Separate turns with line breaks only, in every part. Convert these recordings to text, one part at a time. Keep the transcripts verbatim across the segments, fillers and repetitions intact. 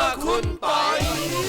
คุณปอย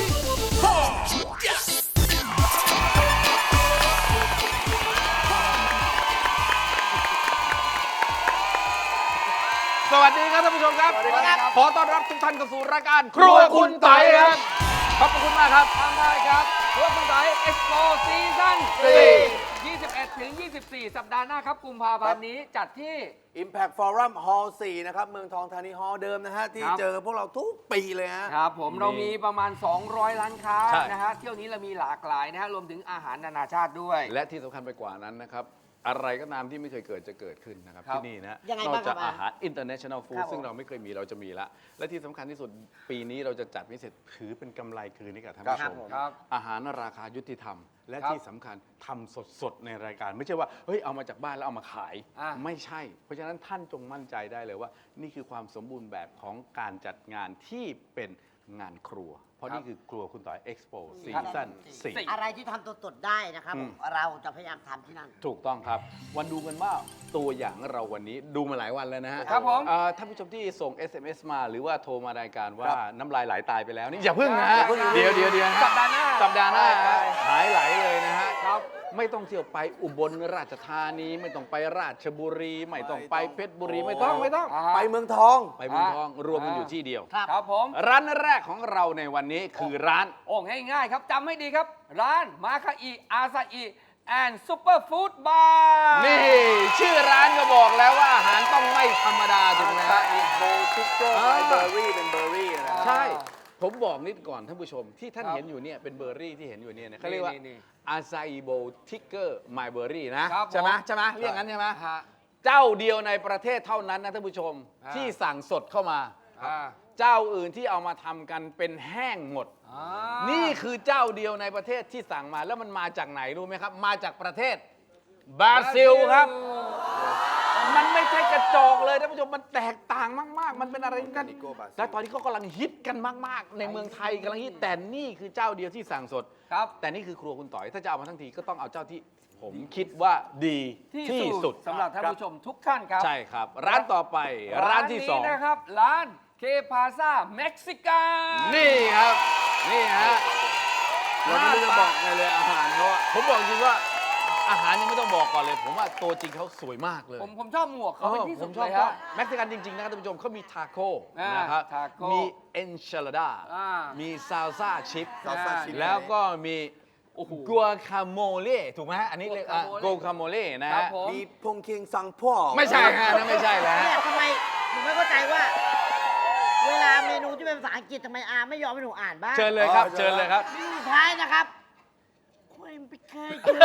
สวัสดีครับท่านผู้ชมครับ ขอต้อนรับทุกท่านเข้าสู่รายการครัวคุณปอยครับขอบคุณมากครับ
ทางได้ครับครัวคุณปอยเอ็กซ์โปซีซั่นสี่ ยี่สิบเอ็ดถึงยี่สิบสี่ สัปดาห์หน้าครับกุมภาพันธ์นี้จัดที่
Impact Forum Hall สี่นะครับเมืองทองธานีฮอลล์เดิมนะฮะที่เจอพวกเราทุกปีเลยฮะ
ครับผมเรามีประมาณ สองร้อย ร้านค้า
ใช่
นะฮะเที่ยวนี้เรามีหลากหลายนะฮะรวมถึงอาหารนานาชาติด้วย
และที่สำคัญไปกว่านั้นนะครับ อะไรก็ตามที่ไม่เคยเกิดจะเกิดขึ้นนะครับ
ครับ
ที่นี่นะ
ยังไง
นอก
บ้างครับ
จากอาหาร international
ค
food
รับผม
ซึ่งเราไม่เคยมีเราจะมีละและที่สำคัญที่สุดปีนี้เราจะจัดพิเศษถือเป็นกำไรคืนให้กับท่านผู้ชม
ครับ
อาหารราคายุติธรรม และ
ครับ
ที่สำคัญทำสดๆในรายการ ไม่ใช่ว่าเฮ้ยเอามาจากบ้านแล้วเอามาขาย
อ่ะ
ไม่ใช่ เพราะฉะนั้นท่านจงมั่นใจได้เลยว่า นี่คือความสมบูรณ์แบบของการจัดงานที่เป็นงานครัว เพราะนี่คือครัวคุณต่อยเอ็กซ์โปซีซั่นสี่
อะไรที่ทำตัวตดได้นะครับ
อืม
เราจะพยายามทำที่นั่น
ถูกต้องครับ วันดูกันว่าตัวอย่างเราวันนี้ดูมาหลายวันแล้วนะฮะ
ครับผม
เอ่อท่านผู้ชมที่ส่ง เอส เอ็ม เอส มาหรือว่าโทรมารายการว่าน้ำลายไหลตายไปแล้วนี่อย่าพึ่งนะฮะ
อย่าเพิ่ง
เดี๋ยวเดี๋ยวเดี๋ยวฮะ
สัปดาห์หน้า
สัปดาห์หน้า
ใช่
หายไหลเลยนะฮะ
ครับ
ไม่ต้องเที่ยวไปอุบลราชธานี ไม่ต้องไปราชบุรี ไม่ต้องไปเพชรบุรีไม่ต้องไม่ต้อง
อ่าฮะ
ไปเมืองทอง
ไปเมืองทองรวมกันอยู่ที่เดียว
ครับ
ครับผม
ร้านแรกของเราในวันนี้คือร้าน
โอ้ง่ายๆครับจำให้ดีครับ ร้านมาคาอิอาซาอิแอนด์ซูเปอร์ฟู้ดบาร์
นี่ชื่อร้านก็บอกแล้วว่าอาหารต้องไม่ธรรมดาถูกไหม
ซา
ฮะ
อิโบทิกเกอร์
อ่า
เบอร์รี่เป็นเบอร์รี่นะ
ใช่ ผมบอกนิดก่อนท่านผู้ชมที่ท่าน
ครับ
เห็นอยู่เนี่ยเป็นเบอร์รี่ที่เห็นอยู่เนี่ยนะเขาเรียกว่า
นี่
อาซาอิโบทิกเกอร์ไมเบอร์รี่นะครับ ใช่ไหม
ผม
ใช่ไหมเรียกงั้นใช่ไหม
ฮะ
เจ้าเดียวในประเทศเท่านั้นนะท่านผู้ชม
อ่า
ที่สั่งสดเข้ามา
อ่า
เจ้าอื่นที่เอามาทำกันเป็นแห้งหมด
อ่า
นี่คือเจ้าเดียวในประเทศที่สั่งมาแล้วมันมาจากไหนรู้ไหมครับ มาจากประเทศบราซิลครับ มันไม่ใช่กระจอกเลยท่านผู้ชมมันแตกต่างมากๆ มันเป็นอะไรกันและตอนนี้เขากำลังฮิตกันมากๆ ในเมืองไทยกำลังฮิตแต่นี่คือเจ้าเดียวที่สั่งสด
ครับ
แต่นี่คือครัวคุณต่อยถ้าจะเอามาทั้งทีก็ต้องเอาเจ้าที่ผมคิดว่าดีที่สุด
สำหรับท่านผู้ชมทุกท่านครับ
ใช่ครับ ร้านต่อไปร้านที่สอง
นะครับ ร้านเคพาซาเม็กซิกัน
นี่ครับนี่ฮะ
เราไม่รู้จะบอกไงเลยอาหารเขาอะ
ผมบอกจริงว่าอาหารยังไม่ต้องบอกก่อนเลย ผมว่าตัวจริงเขาสวยมากเลย
ผมผมชอบหมวกเขาเป็นที่
ผ
สุด
มช
เล
อบ
ย
ชอ
ฮะ
บเม็กซิกันจริง ๆ นะครับท่านผู้ชมเขามีทาโก้
อ่าน
นะครับ
ทาโก้
มีเอนชิลาดา
อ่า
มีซาลซ่าชิพ
ซาลซ่าชิพ
แล้วก็มี
โอ้โห
กัวคาโมเล่ถูกไหมฮะอันนี้เรียก
guacamole
กัวคาโมเล่นะ
ครั
ฮะ
บผม
มีพงเคียงซังพ่อ
ไม่ใช่ฮะนั่นไม่ใช่แล้ว
เนี่ยทำไมหนูไม่เข้าใจว่า เวลาเมนูที่เป็นภาษาอังกฤษทำไมอาไม่ยอมให้หนูอ่านบ้าง
เชิญเลยครับ เชิญเลยครับ
นี่สุดท้ายนะครับคุณไปเคยเจอ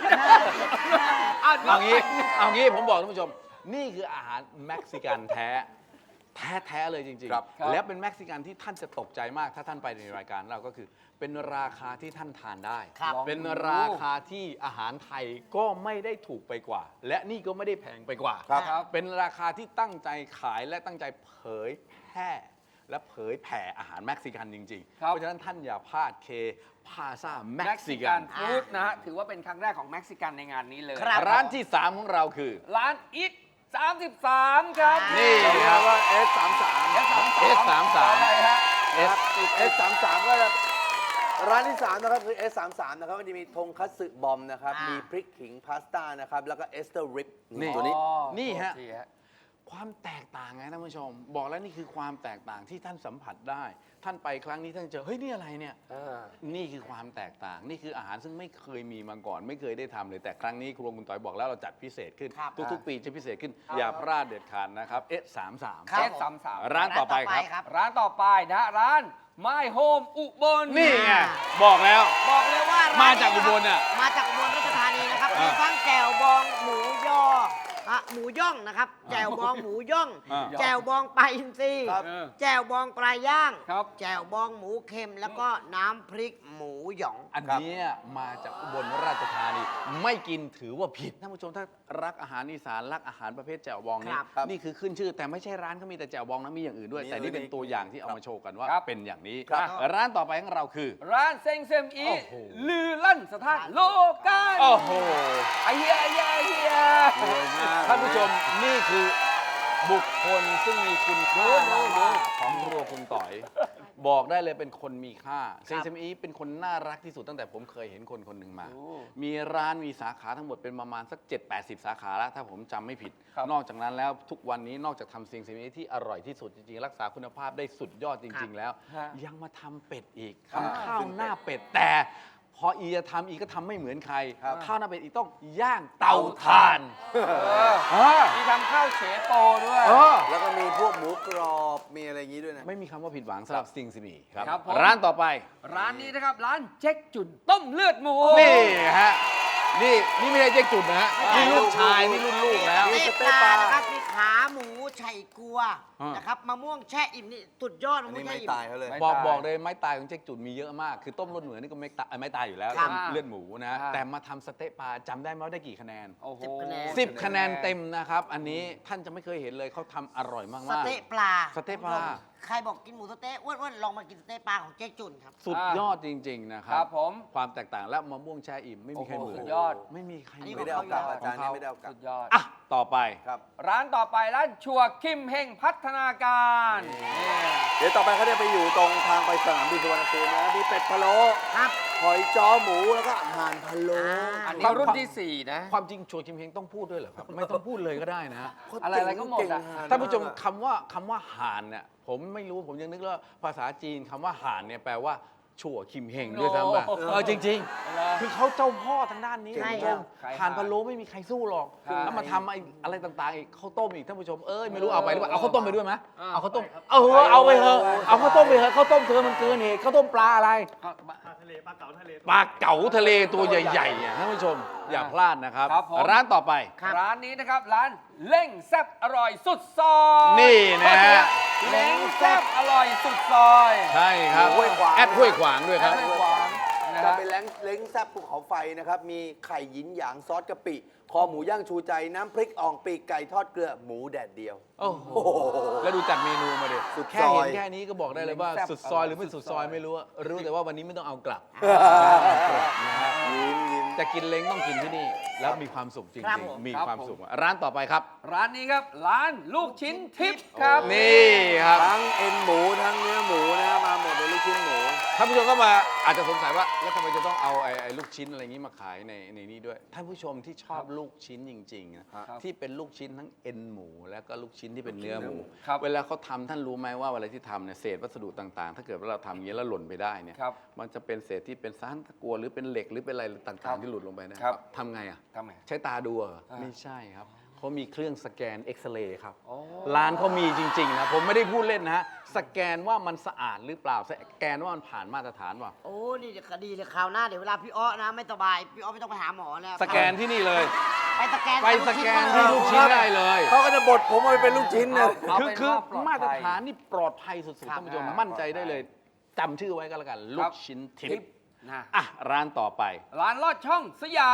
เอางี้เอางี้ผมบอกท่านผู้ชม นี่คืออาหารเม็กซิกันแท้ แท้แท้เลยจริง
ครับ
ๆ แล้วเป็นเม็กซิกันที่ท่านจะตกใจมากถ้าท่านไปในรายการเราก็คือ เป็นราคาที่ท่านทานได้
ครับ
เป็นราคาที่อาหารไทยก็ไม่ได้ถูกไปกว่า และนี่ก็ไม่ได้แพงไปกว่า
ครับ
ครับ
เป็นราคาที่ตั้งใจขายและตั้งใจเผยแพร่และเผยแผ่อาหารเม็กซิกันจริงๆ
ครับ
เพราะฉะนั้นท่านอย่าพลาดเคพาซาเม็
เม็
ก
ก
ซิ
ซิ
กั
กัน นฟู้ดนะฮะถือว่าเป็นครั้งแรกของเม็กซิกันในงานนี้เลย
ครับ
ร้านที่สามของเราคือ
ร้านอิทสามสิบสามครับ
นี่
เรียกว่า เอส สามสาม
เอสสามสาม
เอสสามสาม
ใช่ฮะ
เอส
เอส สามสามก็จะร้านที่สามนะครับคือ เอส สามสามนะครับมันจะมีทงคัตสึบอมนะครับ
อ่ามี
มีพริกขิงพาสต้านะครับ แล้วก็เอสเตอร์ริป
นี่
ตัวนี้
อ๋อ
นี่ฮะ
โทษทีฮะ
ความแตกต่างไงท่านผู้ชม บอกแล้วนี่คือความแตกต่างที่ท่านสัมผัสได้ ท่านไปครั้งนี้ท่านเจอเฮ้ยนี่อะไรเนี่ย นี่คือความแตกต่าง นี่คืออาหารซึ่งไม่เคยมีมาก่อน ไม่เคยได้ทำเลยแต่ครั้งนี้ครัวคุณต่อยบอกแล้วเราจัดพิเศษขึ้น
ครับ
ทุกๆ ปีจะพิเศษขึ้น อย่าพลาดเด็ดขาดนะครับ เอสสามสาม
ครับ
เอสสามสาม
ร้านต่อไปครับ
ร้านต่อไปนะฮะร้าน My Home อุบล
นี่ไงบอกแล้ว
บอกเลยว่าร้น
มาจากอุบลน่ะ
มาจากอุบลราชธานีนะครับ
อ่ามี
มีทั้งแจ่วบองหมูยออ่ะหมูย่องนะครับแจ่วบองหมูย่อง
อ่า
แจ่วบองปลาอินทรี
ครับ
เออ
แจ่วบองปลาย่าง
ครับ
แจ่วบองหมูเค็มแล้วก็น้ำพริกหมูหยอง
อันเนี้ยมาจากอุบลราชธานีไม่กินถือว่าผิดท่านผู้ชมถ้ารักอาหารอีสานรักอาหารประเภทแจ่วบองนี่
ครับ
นี่คือขึ้นชื่อ แต่ไม่ใช่ร้านเขามีแต่แจ่วบองนะมีอย่างอื่นด้วย
มี
แต่นี่เป็น
อื่นอีก
ตัวอย่างที่เอามาโชว์กันว่า
ครับ
เป็นอย่างนี้
ครับ
ร้านต่อไปของเราคือ
ร้านเซ็งเซมอี
โอ้โห
ลือลั่นสถานโลกัน
โอ้โห
ไอเฮียไอเฮียไอเฮีย
สวยมาก
ท่านผู้ชมนี่คือบุคคลซึ่งมีคุณค่ามากๆของครัวคุณต่อยบอกได้เลยเป็นคนมีค่าเซงเซมิอีเป็นคนน่ารักที่สุดตั้งแต่ผมเคยเห็นคนคนหนึ่งมา มีร้านมีสาขาทั้งหมดเป็นประมาณสัก เจ็ดแปดสิบ สาขาแล้วถ้าผมจำไม่ผิด นอกจากนั้นแล้วทุกวันนี้นอกจากทำเซงเซมิอีที่อร่อยที่สุดจริงๆรักษาคุณภาพได้สุดยอดจริง ๆ แล้ว ยังมาทำเป็ดอีกทำข้าวหน้าเป็ดแต่พออีจะทำอีก็ทำไม่เหมือนใครข้าวหน้าเป็ดอีต้องย่างเตาถ่าน
มีทำข้าวเฉโปด้วย
เออ
แล้วก็มีพวกหมูกรอบมีอะไรอย่างนี้ด้วยนะ
ไม่มีคำว่าผิดหวังสำหรับซิงซิมีครับ
ครับผม
ร้านต่อไป
ร้านนี้นะครับ ร้านเจ๊กจุนต้มเลือดหมู
นี่ฮะนี่นี่ไม่ใช่เจ๊กจุดนะฮะนี่ลูกชายนี่รุ่นลูกแล้ว
สเต๊ะปลานะครับมีขาหมูไฉกัว
อ่าน
นะครับมะม่วงแช่อิ่มนี่สุดยอด
อั
มะ
น
ม่ว
นี้
งแช่
ไม่
อิ่ม
ตายเขาเลย
ไม่
บอก
ตาย
บอกเลยไม้ตายของเจ๊กจุดมีเยอะมาก คือต้มรสเหนือนี่ก็ไม่ตายไม่ตายอยู่แล้ว
ครับ
ต้มเลือดหมูนะ
ครับ
แต่มาทำสเต๊ะปลาจำได้ไหมว่าได้กี่คะแนน
โอ้โห
สิบคะแนน
สิบคะแนนเต็มนะครับ อันนี้ท่านจะไม่เคยเห็นเลยเขาทำอร่อยมาก
ส
ๆ
เต๊ะปลา
สเต๊ะปลา
ใครบอกกินหมูสเต๊ะอ้วนๆลองมากินสเต๊ะปลาของเจ๊จุนครับ
สุดยอดจริง ๆ นะค
ค
รั
รับ บผม
ความแตกต่างและมะม่วงแช่อิ่มไม่มีใครเหมือน
โอ้โหสุดยอด
ไม่มีใคร
อันนี้
เหมื
ไม่
อน
ได้เอากลับอาจารย์นี่ไม่ได้เอากลับ
สุดยอด
อ่ะต่อไป
ครับ
ร้านต่อไปร้านชัวคิมเฮงพัฒนาการนี่
เดี๋ยวต่อไปเขาจะไปอยู่ตรงทางไปสนามบินสุวรรณภูมินะมีเป็ดพะโล้
ครับ
หอยจ้อหมูแล้วก็อาหารพะโล้
อันนี้รุ่นที่สี่นะ
ความจริงชัวร์คิมเฮงต้องพูดด้วยเหรอครับ ไม่ต้องพูดเลยก็ได้นะ
อะไรอะไรก็หมดอะ
ท่านผู้ชมคำว่าคำว่าห่านเนี่ยผมไม่รู้ผมยังนึกว่าภาษาจีนคำว่าห่านเนี่ยแปลว่าชัวคิมเฮงด้วยซ้ำไป
โอ้โห
เออจริง ๆ คือเขาเจ้าพ่อทางด้านนี้
ใช่
ท่านผู้ชม
ใช่
ห่านพะโล้ไม่มีใครสู้หรอก
ใช่
แล้วมาทำไอ้อะไรต่างๆอีกข้าวต้มอีกท่านผู้ชมเอ้ยไม่รู้เอาไปหรือเปล่าเอาข้าวต้มไปด้วยไหม
อ่า
เอาข้าวต้มเออเอาไปเถอะเอาข้าวต้มไปเถอะข้าวต้มเธอมันเกินเหตุข้าวต้มปลาอะไร ปลาเก๋าทะเลตัวใหญ่ๆอ่ะท่านผู้ชมอย่าพลาดนะครับ
ครับผม
ร้านต่อไป
ร้านนี้นะครับ ร้านเล้งแซ่บอร่อยสุดซอย
นี่นะฮะ
เล้งแซ่บอร่อยสุดซอย
ใช่ครับ
ห้วยขวาง
แอดห้วยขวางด้วยครับ
แอดห้วยขวางนะ
จะ
ฮะ
เป็นเล้งเล้งแซ่บภูเขาไฟนะครับ มีไข่หยินหยางซอสกะปิ คอหมูย่างชูใจ น้ำพริกอ่องปีกไก่ทอดเกลือ หมูแดดเดียว
โอ้โห
โอ้โห
แล้วดูจัดเมนูมาดิ
สุด
แค่เห็น
ซอย
แค่นี้ก็บอกได้เลยว่า
แซ่บ
สุดซอยหรือไม่สุดซอยไม่รู้อะรู้แต่ว่าวันนี้ไม่ต้องเอากลับนะฮะ
ยิ้มยิ้ม
จะกินเล้งต้องกินที่นี่ แล้วมีความสุขจริ
ครับ
ง
ผม
ๆ มี
ครับ
ความ
ผม
สุข ร้านต่อไปครับ
ร้านนี้ครับ ร้านลูกชิ้นทิพย์ครับ
นี่ครับ
ทั้งเอ็นหมูทั้งเนื้อหมูนะมาหมดเลยลูกชิ้นหมู
ท่านผู้ชมก็มาอาจจะสงสัยว่าแล้วทำไมจะต้องเอาไอ้ไอ้ลูกชิ้นอะไรนี้มาขายในในนี้ด้วย ท่านผู้ชมที่ชอบลูกชิ้นจริงๆนะครับ ที่เป็นลูกชิ้นทั้งเอ็นหมู แล้วก็ลูกชิ้นที่เป็นเนื้อหมู
ครับ
เวลาเขาทำท่านรู้ไหมว่าเวลาที่ทำเนี่ยเศษวัสดุต่างๆ ถ้าเกิดว่าเราทำอย่างนี้ยแล้วหล่นไปได้เนี่ย
ครับ
มันจะเป็นเศษที่เป็นสารตะกัวหรือเป็นเหล็กหรือเป็นอะไรต่างๆ ที่หลุดลงไปนะครับ ทำไงอ่ะ
ทำไง
ใช้ตาดูเหรอ
อ่า
ไม่ใช่ครับเขามีเครื่องสแกนเอ็กซเรย์ครับ
โอ้
ร้านเขามีจริงๆนะผมไม่ได้พูดเล่นนะฮะสแกนว่ามันสะอาดหรือเปล่าสแกนว่ามันผ่านมาตรฐานเปล่า
โอ้นี่คดีเลยคราวหน้าเดี๋ยวเวลาพี่อ้อนะไม่สบายพี่อ้อไม่ต้องไปหาหมอแล้ว
สแกนที่นี่เลย
ไปสแกน
ไปสแกนที่ลูกชิ้นได้เลย
เขาก็จะบดผมเอาไปเป็นลูกชิ้นนะ
เอา
คือ
เป็น
คือ
ว่าปลอดภัย
มาตรฐานนี่ปลอดภัยสุดๆท่านผู้ชม
ครับ
มั่นใจได้เลยจำชื่อไว้ก็แล้วกัน ลูกชิ้นทิ
ทิ
พ
พ
ย์
ย์นะ
อ่ะร้านต่อไป
ร้านลอดช่องสยาม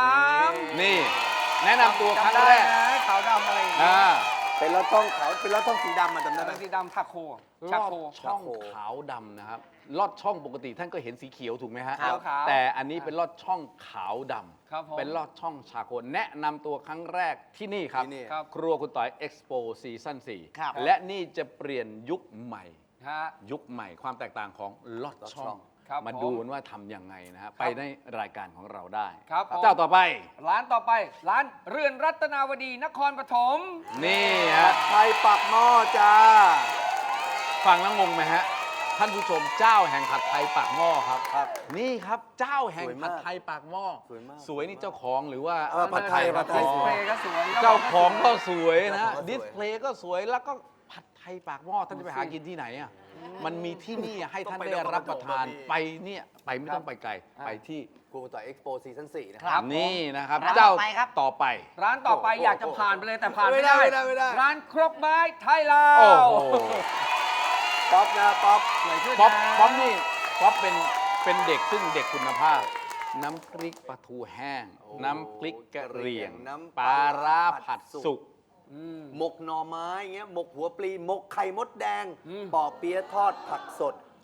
นี่ แนะนำตัวครั้ง
จำได้
แรก
นะขาวดำอะไรอย่างเงี้
อ่าย
เป็นรถต้องขาวเป็นรถต้องสีดำมาจำได้ไหม
เป็นสีดำทาโค
ล
ชา
อด
โค
ช่อง
ชาโค
ขาวดำนะครับลอดช่องปกติท่านก็เห็นสีเขียวถูกไหมฮะ
ขาวขาว
แต่อันนี้เป็นลอดช่องขาวดำ
ครับผม
เป็นลอดช่องชาโคแนะนำตัวครั้งแรกที่นี่ครับ
ที่นี่
ครับ
ครัวคุณต่อยเอ็กซ์โปซีซั่นสี่
ครับ
และนี่จะเปลี่ยนยุคใหม่
ฮะ
ยุคใหม่ความแตกต่างของลอดช่อง
ครับ
มา
ผม
ดูกันว่าทำยังไงนะฮะไปในรายการของเราได้
ครับผม
เจ้าต่อไป
ร้านต่อไป ร้านเรือนรัตนาวดีนครปฐม
นี่ฮะ
ไทยปักหม้อจ้า
ฟังแล้วงงไหมฮะ ท่านผู้ชมเจ้าแห่งผัดไทยปากหม้อครับ
ครับ
นี่ครับเจ้าแห่ง
สวย
ผั
มาก
ดไทยปากหม้อ
สวยมาก
สวยนี่เจ้าของหรือว่า
เออผัดไทยผัดไทย
ดิสเพลย์ก็สวย
เจ้าของก็สวยนะ
เจ้าของก็สวย
ดิสเพลย์ก็สวยแล้วก็ผัดไทยปากหม้อท่านจะไปหากินที่ไหนอ่ะมันมีที่นี่ให้ท่านได้รับประทานไปเนี่ยไปไม่ต้องไปไกลไปที่
ครูต่อยเอ็กซ์โปซีซั่นสี่นะค
ครั
รับ
บ
นี่นะครับ
ร้าน
เจ้า
ต่อไปครับ
ต่อไป
ร้านต่อไป
โอ้โห
อยากจะผ่านไปเลยแต่ผ่าน
ไม่
ไม่
ได้
ได้
ไม่ได้ไม่ได้
ร้านครกไม้ไทยลา
โอ้
ว
โห
ป๊อปนะป๊อป
สวยขึ้น
ป๊อป
นะ
ป๊อปนี่ป๊อปเป็นเป็นเด็กซึ่งเด็กคุณภาพ น้ำพริกปลาทูแห้ง
โอ้
น้ำพริกกะเหรี่ยง
น้ำ
ปลาร้าผัดสุก
อืม
หมกหน่อไม้อย่างเงี้ยหมกหัวปลีหมกไข่มดแดง
อืม
ปอเปี๊ยะทอดผักสด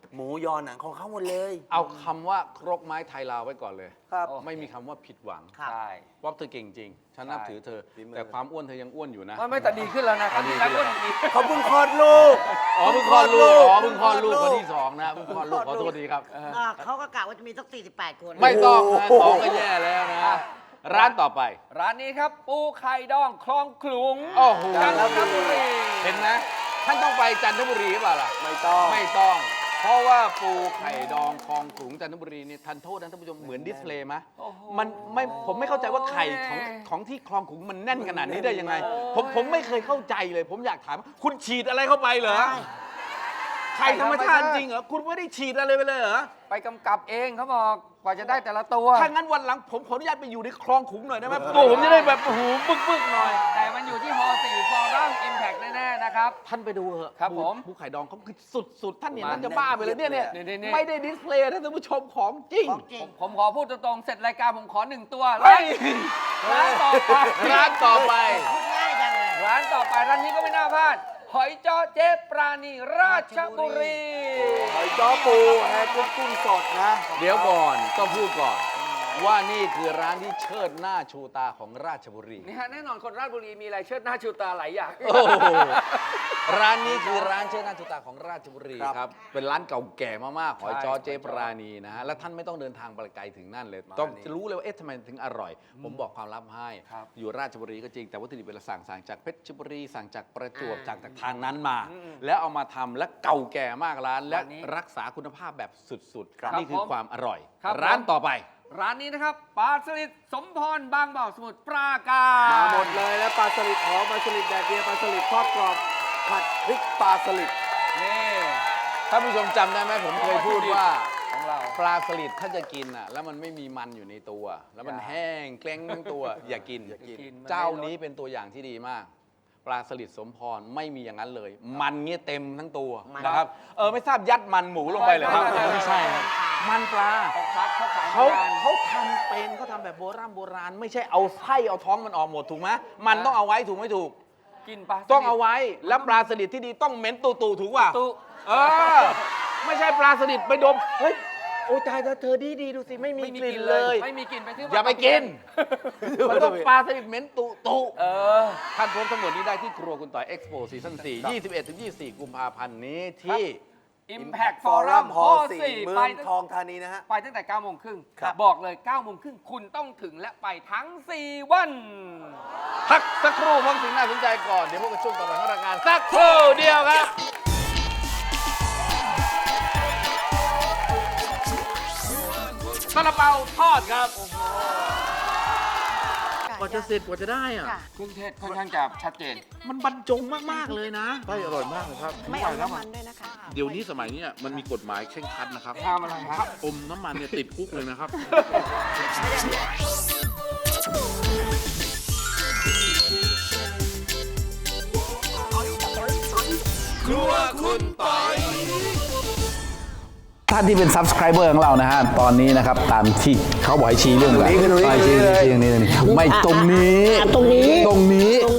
หมูยอหนังของเขาหมดเลย
เอาคำว่าครกไม้ไทยลาวไว้ก่อนเลย
ครับ
ไม่มีคำว่าผิดหวัง
ครับ
ใช่
เพราะเธอเก่งจริง ฉันนับ
ใช่
ถือเธอ
ฝีมือ
แต่ความอ้วนเธอยังอ้วนอยู่นะ
ไม่ไม่แต่ดีขึ้นแล้วนะครั้งที่แล้วก็ดี
เขาเพิ่งคลอดลูก
อ๋อเพิ่งคลอดลูก อ๋อเพิ่งคลอดลูกคนที่สองนะเพิ่งคลอดลูกขอโทษทีครับ
อ่าเขาก็กะว่าจะมีสักสี่สิบแปดคน
ไม่ต้องนะสองก็แย่แล้วนะ ร้านต่อไป
ร้านนี้ครับปูไข่ดองคลองขลุง
โอ้โห
จันทบุรี
เห็นไหมท่านต้องไปจันทบุรีหรือเปล่าล่ะ
ไม่ต้อง
ไม่ต้อง เพราะว่าปูไข่ดองคลองขลุงจันทบุรีนี่ทันโทษนะท่านผู้ชมเหมือนดิสเพลย์ไหม
โอ้โห
มันไม่ผมไม่เข้าใจว่าไข่ของของที่คลองขลุงมันแน่นขนาดนี้ได้ยังไง ผมผมไม่เคยเข้าใจเลย ผมอยากถาม คุณฉีดอะไรเข้าไปเหรอ
ใช่
ไข่ธรรมชาติจริงเหรอ คุณไม่ได้ฉีดอะไรไปเลยเหรอ
ไปกำกับเองเขาบอกกว่าจะได้แต่ละตัว
ถ้างั้นวันหลังผมขออนุญาตไปอยู่ในคลองขลุงหน่อยได้ไหมตัวผมจะได้แบบโอ้โหบึกบึกๆหน่อย
แต่มันอยู่ที่ฮอสี่ฟอรัมอิมแพกแน่ๆนะครับ
ท่านไปดูเถอะ
ครับผม
ภูไข่ดองเขาคือสุดๆ ท่านเห็น
มัน
ท่านจะบ้าไปเลยเนี่ยเนี่ย
นี่ๆๆ
ไม่ได้ดิสเพลย์นะท่านผู้ชมของจริง
ของจริง
ผมขอพูดตรงๆ เสร็จรายการผมขอหนึ่งตัว
เฮ้ย
ร้านต่อไป
ร้านต่อไป
พูดง่ายจังเลย
ร้านต่อไปร้านนี้ก็ไม่น่าพลาด หอยจ้อเจ๊ปราณีราชบุรี
หอยจ้อปูแฮกุ้งกุ้งสดนะ
เดี๋ยวก่อนต้องพูดก่อน ว่านี่คือร้านที่เชิดหน้าชูตาของราชบุรี
นี่ฮะแน่นอนคนราชบุรีมีอะไรเชิดหน้าชูตาหลายอย่าง
โอ้โหร้านนี้คือร้านเชิดหน้าชูตาของราชบุรี
ครับ
ครับ เป็นร้านเก่าแก่มากๆหอยจ้อ
ใช่
เจ๊ปราณีนะฮะ และท่านไม่ต้องเดินทางไปไกลถึงนั่นเลย ต้องรู้เลยว่าเอ๊ะทำไมถึงอร่อย ผมบอกความลับให้
ครับ
อยู่ราชบุรีก็จริง แต่วัตถุดิบเวลาสั่งสั่งจากเพชรบุรี สั่งจากประจวบ
อ่า
จากทางนั้นมา แล้วเอามาทำและเก่าแก่มากร้าน และ
ร้านนี้
รักษาคุณภาพแบบสุด
ครับ
ๆ นี่คือ
ผม
ความอร่อย
ครับ
ร้าน
ผม
ต่อไป
ร้านนี้นะครับปลาสลิดสมพรบางบ่อสมุทรปราการ
มาหมดเลยแล้วปลาสลิดหอมปลาสลิดแดดเดียวปลาสลิดทอดกรอบผัดพริกปลาสลิด
นี่
ท่านผู้ชมจำได้ไหมผมเคยพูดว่า
ของเรา
ปลาสลิดถ้าจะกินอ่ะแล้วมันไม่มีมันอยู่ในตัว แล้วมัน
อย่า
แห้งเกล้งทั้งตัว อย่ากิน
อย่ากิน
กินมัน
เจ้า
ไม่ลด
นี้เป็นตัวอย่างที่ดีมาก ปลาสลิดสมพรไม่มีอย่างนั้นเลย มันเงี้ยเต็มทั้งตัว
มัน
นะครับเออไม่ทราบยัดมันหมูลงไปเหรอครับ
ไม่ใช่
ไม่ใช่ครับมันปลา
เขาคัดเขาขาย
เขา
งาน
เขาทำเป็นเขาทำแบบโบราณโบราณ ไม่ใช่เอาไส้เอาท้องมันออกหมดถูกไหมมันต้องเอาไว้ถูกไม่ถูก
กินปลาสลิด
ต้องเอาไว้แล้วปลาสลิดที่ดีต้องเหม็นตูตูๆถูกป่ะ
ตุ
เออไม่ใช่ปลาสลิดไปดมเฮ้ยโอ้ตายแล้วเธอดีดีๆดูสิไม่มี
ไม่มี
กลิ่
ก
น
ลิ่น
เล
เลย ย ไม่มีกลิ่นไปซื้อ
อย่าไปกินมันต้องปลาสลิดเหม็นตุตุ
เออ
ท่านพบทั้งหมดนี้ได้ที่ครัวคุณต่อยเอ็กซ์โปซีซั่นสี่ ยี่สิบเอ็ดถึงยี่สิบสี่กุมภาพันธ์นี้ที่
Impact
ฟอรั
Forum
ม
ฮ
ฮ
อ
อ
สี่
สี่เมื
ไป
อง
ตั้ง
ทองธานีนะฮะ
ไปตั้งแต่เก้าโมงครึ่ง
ครับ
บอกเลยเก้าโมงครึ่งคุณต้องถึงและไปทั้งสี่วัน
พักสักครู่เพราะสิ่งน่าสนใจก่อน เดี๋ยวพวกกันช่วงต่อไปของรายการสักครู่เดียวครับซาลาเปาทอดครับกว่าจะเสร็จกว่าจะได้อะ
ค่ะ
เครื่องเทศค่อนข้างจะชัดเจน
มันบรรจงมาก ๆ เลยนะได้อร่อยมากเลยครับ
ไม่เอาน้ำมันด้วยนะคะ
เดี๋ยวนี้สมัยนี้มันมีกฎหมายเคร่งครัดนะครับ
ห้ามอะไรฮะ
ถ้าอมน้ำมันเนี่ยติดคุกเลยนะครับ ท่านที่เป็น subscriber ของเรานะฮะ ตอนนี้นะครับ ตามที่เขาบอกให้ชี้เรื่องอะไร
ตรงนี้คือตรงนี้
ชี้
เลย
ชี้ตรงนี้ไม่ตรงนี้
อ่ะตรงนี้
ตรงนี้